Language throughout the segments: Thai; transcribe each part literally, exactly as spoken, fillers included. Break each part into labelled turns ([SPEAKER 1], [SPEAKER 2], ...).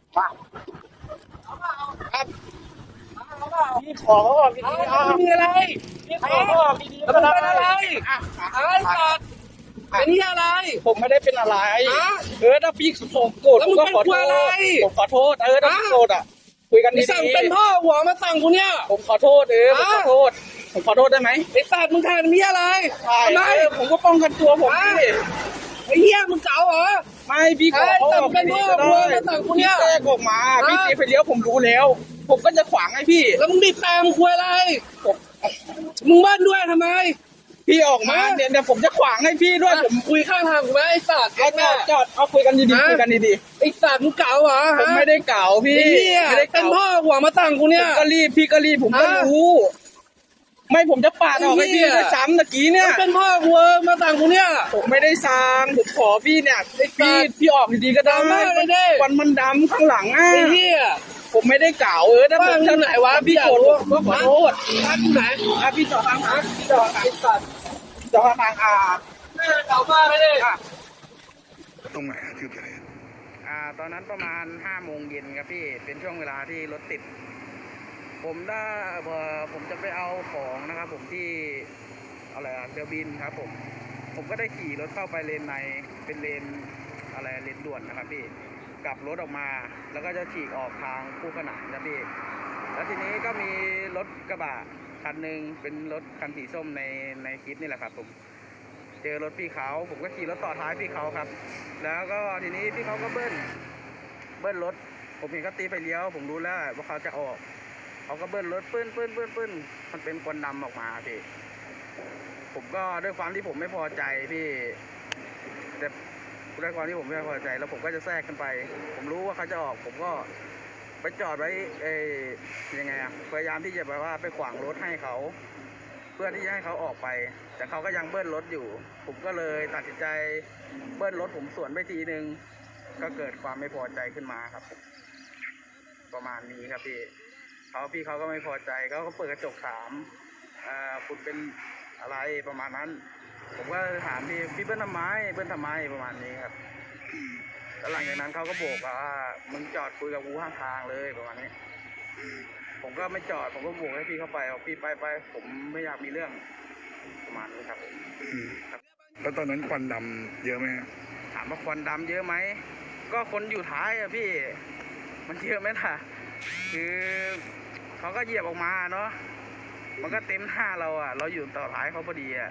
[SPEAKER 1] ครับพี่ขอเขาออกดีๆอ่ะ
[SPEAKER 2] มีอะไร
[SPEAKER 1] พี่ขอเขาออกดีๆ
[SPEAKER 2] แล้วมึงเป็นอะไร
[SPEAKER 1] อ่ะ
[SPEAKER 2] ไอ้สัตว์เป็นที่อะไร
[SPEAKER 1] ผมไม่ได้เป็นอะไร
[SPEAKER 2] ฮะ
[SPEAKER 1] เออถ้าพี่ผมโกรธ
[SPEAKER 2] แล้ว
[SPEAKER 1] ผ
[SPEAKER 2] มึ
[SPEAKER 1] ม
[SPEAKER 2] ง
[SPEAKER 1] ก็
[SPEAKER 2] เป็น
[SPEAKER 1] ขอโท
[SPEAKER 2] ค
[SPEAKER 1] ษ
[SPEAKER 2] วายอะไร
[SPEAKER 1] ผมขอโทษเออถ้า
[SPEAKER 2] ฮะ
[SPEAKER 1] พี่โกรธอ่ะคุยกัน
[SPEAKER 2] ไอ้
[SPEAKER 1] ดี
[SPEAKER 2] สั่งเป็นพ่อหัวมาสั่งกูเนี่ย
[SPEAKER 1] ๆผมขอโทษเออผมขอโทษผมขอโทษได้ไหม
[SPEAKER 2] ไอ้สัตว์มึงแทนมีอะไร
[SPEAKER 1] ใช่
[SPEAKER 2] ทำไม
[SPEAKER 1] เออผมก็ป้องกันตัวผม
[SPEAKER 2] ฮะ
[SPEAKER 1] พี่
[SPEAKER 2] ไอ้เหี้ยมึงเก๋าเหรอ
[SPEAKER 1] ไม่พี่ขอ
[SPEAKER 2] เอ้ย
[SPEAKER 1] เขาออก
[SPEAKER 2] สั่งเป็นพ่อ
[SPEAKER 1] ดีๆก็
[SPEAKER 2] ครัว
[SPEAKER 1] ได้
[SPEAKER 2] มาสั่งกูเนี่ย
[SPEAKER 1] พี่แทรกออกมา
[SPEAKER 2] ฮะ
[SPEAKER 1] พี่ตีไฟเลี้ยวผมรู้แล้ว ผมก็จะขวางให้พี่
[SPEAKER 2] แล้วมึงบีบแต่มึงคุยอะไร
[SPEAKER 1] ผม
[SPEAKER 2] มึงบ้านด้วยทำไม
[SPEAKER 1] พี่ออกมา
[SPEAKER 2] ฮะ
[SPEAKER 1] เนี่ยเดี๋ยวผมจะขวางให้พี่ด้วยผม
[SPEAKER 2] คุยข้างทางกูไหมไอ้สัตว์
[SPEAKER 1] เอาจอดจอดเอาคุยกันดี
[SPEAKER 2] ฮะ
[SPEAKER 1] ๆคุยกันดี
[SPEAKER 2] ไอ้สัตว์มึงเก๋าเหรอ
[SPEAKER 1] ๆผม
[SPEAKER 2] ฮะ
[SPEAKER 1] ไม่ได้เก่าพี่
[SPEAKER 2] ไอ้เหี้ย
[SPEAKER 1] ไม่ได้
[SPEAKER 2] เป็น
[SPEAKER 1] เก่า
[SPEAKER 2] พ่อหัวมาสั่งกูเนี่ย
[SPEAKER 1] ก็รีบพี่ก็รีบผมก็
[SPEAKER 2] ฮะ
[SPEAKER 1] รู้ ไม่ผมจะปาดออกให้
[SPEAKER 2] ไอ้เหี้
[SPEAKER 1] พี่
[SPEAKER 2] ย
[SPEAKER 1] ด้วยซ้ำตะกี้เนี่ย
[SPEAKER 2] เป็นพ่อหัวมาสั่งกูเนี่ย
[SPEAKER 1] ผมไม่ได้ซางผมขอพี่เนี่ยพี่พี่ออกดีๆก็ได้
[SPEAKER 2] ดำมากเลยดิ
[SPEAKER 1] วันมันดำข้างหลังอ่ะ
[SPEAKER 2] ไอ้เหี้ย
[SPEAKER 1] ผมไม่ได้เก่าเออถ้าผม
[SPEAKER 2] บ้านที่ไหนวะ
[SPEAKER 1] ถ้าพี่โกรธผมก็ขอโทษ
[SPEAKER 2] บ้านที่ไหน
[SPEAKER 1] อ่ะพี่จอดทางทางพี่จอดทางสัตว์จอดทางอ่า
[SPEAKER 2] แม่เก่ามากเลยดิ
[SPEAKER 1] อ่ะ
[SPEAKER 3] ตรงไหนอะที่เกิดเหตุ
[SPEAKER 1] อ่าตอนนั้นประมาณห้าโมงเย็นครับพี่เป็นช่วงเวลาที่รถติด ผมได้เอ่อผมจะไปเอาของนะครับผมที่อะไรอะเรือบินครับผมผมก็ได้ขี่รถเข้าไปเลนในเป็นเลนอะไรเลนด่วนนะครับพี่กลับรถออกมา แล้วก็จะฉีกออกทางคู่ขนานนะพี่แล้วทีนี้ก็มีรถกระบะคันหนึ่งเป็นรถคันสีส้มในในคลิปนี่แหละครับผมเจอรถพี่เขาผมก็ขี่รถต่อท้ายพี่เขาครับ แล้วก็ทีนี้พี่เขาก็เบิ้ลเบิ้ลรถผมเห็นเขาตีไฟเลี้ยวผมรู้แล้วว่าเขาจะออกเขาก็เบิ้ลรถปื้นปื้นปื้นปื้นมันเป็นควันดำออกมาพี่ผมก็ด้วยความที่ผมไม่พอใจพี่แต่ด้วยความที่ผมไม่พอใจแล้วผมก็จะแทรกขึ้นไป ผมรู้ว่าเขาจะออก ผมก็ไปจอดไว้เอ้ยังไงอะพยายามที่จะแบบว่าไปขวางรถให้เขาเพื่อที่จะให้เขาออกไป แต่เขาก็ยังเบิ้ลรถอยู่ ผมก็เลยตัดสินใจเบิ้ลรถผมสวนไปทีนึงก็เกิดความไม่พอใจขึ้นมาครับ ประมาณนี้ครับพี่เขาพี่เขาก็ไม่พอใจเขาก็เปิดกระจกถามอ่าคุณเป็นอะไรประมาณนั้น ผมก็ถามพี่พี่เบิ้ลทำไมเบิ้ลทำไมประมาณนี้ครับแล้วหลังจากนั้นเขาก็โบกว่ามึงจอดคุยกับกูข้างทางเลยประมาณนี้ ผมก็ไม่จอดผมก็โบกให้พี่เข้าไปเอาพี่ไปไปผมไม่อยากมีเรื่องประมาณนี้ครับผม
[SPEAKER 3] อืมแล้วตอนนั้นควันดำเยอะไหมฮะ
[SPEAKER 1] ถามว่าควันดำเยอะไหมก็คนอยู่ท้ายอะพี่ มันเยอะไหมล่ะคือเขาก็เหยียบออกมาเนาะมันก็เต็มหน้าเราอะเราอยู่ต่อท้ายเขาพอดีอะ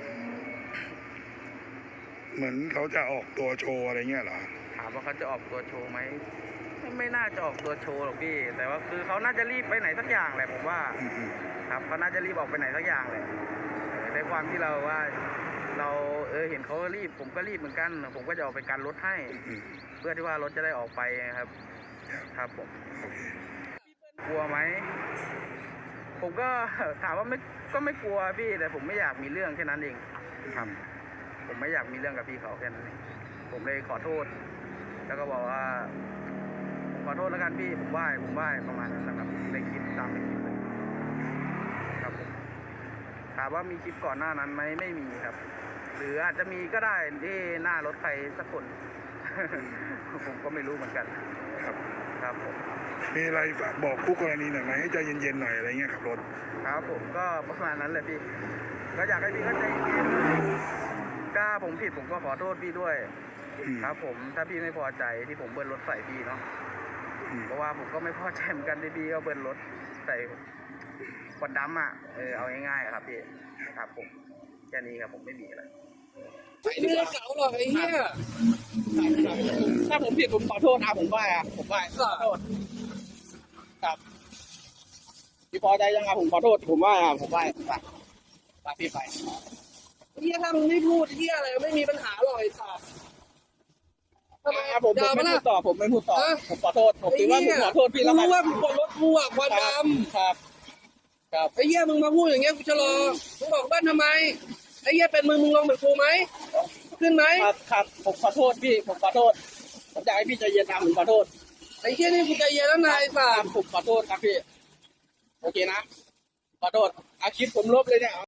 [SPEAKER 3] เหมือนเขาจะออกตัวโชว์อะไรเงี้ยเหรอ
[SPEAKER 1] ถามว่าเขาจะออกตัวโชว์ไหมไม่ไม่น่าจะออกตัวโชว์หรอกพี่ แต่ว่าคือเขาน่าจะรีบไปไหนสักอย่างแหละผมว่า
[SPEAKER 3] อืมอืม
[SPEAKER 1] ครับเขาน่าจะรีบออกไปไหนสักอย่างเลยในความที่เราว่า เราเออเห็นเขารีบ ผมก็รีบเหมือนกัน ผมก็จะออกไปกันรถให้
[SPEAKER 3] อืม
[SPEAKER 1] เพื่อที่ว่ารถจะได้ออกไปครับ ครับผม
[SPEAKER 3] โอเค
[SPEAKER 1] กลัวไหมผมก็ ถามว่าไม่ก็ไม่กลัวพี่ แต่ผมไม่อยากมีเรื่องแค่นั้นเองครับ ผมไม่อยากมีเรื่องกับพี่เขาแค่นั้นเองผมเลยขอโทษ แล้วก็บอกว่าขอโทษแล้วกันพี่ผมไหว้ผมไหว้ประมาณนั้นนะครับในคลิปตามในคลิปเลยครับผมถามว่ามีคลิปก่อนหน้านั้นไหมไม่มีครับ หรืออาจจะมีก็ได้ที่หน้ารถใครสักคน ผมก็ไม่รู้เหมือนกัน
[SPEAKER 3] ครับ
[SPEAKER 1] ครับผม
[SPEAKER 3] มีอะไรฝากบอกคู่กรณีหน่อยไหมให้ใจเย็นๆหน่อยอะไรเงี้ยขับรถ
[SPEAKER 1] ครับผมก็ประมาณนั้นเลยพี่ ก็อยากให้พี่เข้าใจเย็นถ้าผมผิดผมก็ขอโทษพี่ด้วย
[SPEAKER 3] อืม
[SPEAKER 1] ครับผมถ้าพี่ไม่พอใจที่ผมเบิ้ลรถใส่พี่เนาะ
[SPEAKER 3] อืม
[SPEAKER 1] เพราะว่าผมก็ไม่พอใจเหมือนกันที่พี่เขาเบิ้ลรถใส่ควันดำอ่ะเออเอาง่ายๆอะครับพี่ครับผมแค่นี้ครับผมไม่มีอะไร
[SPEAKER 2] ไอ้นี่เก๋าหรอกไอ้เหี้ย
[SPEAKER 1] ถ้าผมผิดผมขอโทษนะผมไหว้อะผมไหว้ขอโทษครับพี่พอใจยังไงผมขอโทษผมไหว้อะผมไหว้ไปไปพี่ไป
[SPEAKER 2] เหี้ยถ้ามึงไม่พูดเหี้ยอะไรไม่มีปัญหาหรอกไอ้สัตว์ทำไม
[SPEAKER 1] อ่ะผมผมไม่พูดต่อผมไม่พูดต่อผมขอโทษผมถือว่าผมขอโทษพี่แล้ว
[SPEAKER 2] รู้
[SPEAKER 1] กัน
[SPEAKER 2] ว่ามึงกดรถกูอ่ะควันด
[SPEAKER 1] ครับครับ
[SPEAKER 2] ำไอ้เหี้ยมึงมาพูดอย่างเงี้ยกูจะรอมึงบอกบ้านทำไมไอ้เหี้ยเป็นมึงมึงลงเหมือนกูไหมขึ้นไหม
[SPEAKER 1] ครับครับผมขอโทษพี่ผมขอโทษผมอยากให้พี่ใจเย็นนะผมขอโทษ
[SPEAKER 2] ไอ้เหี้ยนี่กูใจเย็นแล้วนายสั
[SPEAKER 1] ค
[SPEAKER 2] ต
[SPEAKER 1] รับ
[SPEAKER 2] ว์
[SPEAKER 1] ผมขอโทษครับพี่โอเคนะขอโทษอาคลิปผมลบเลยเนี่ย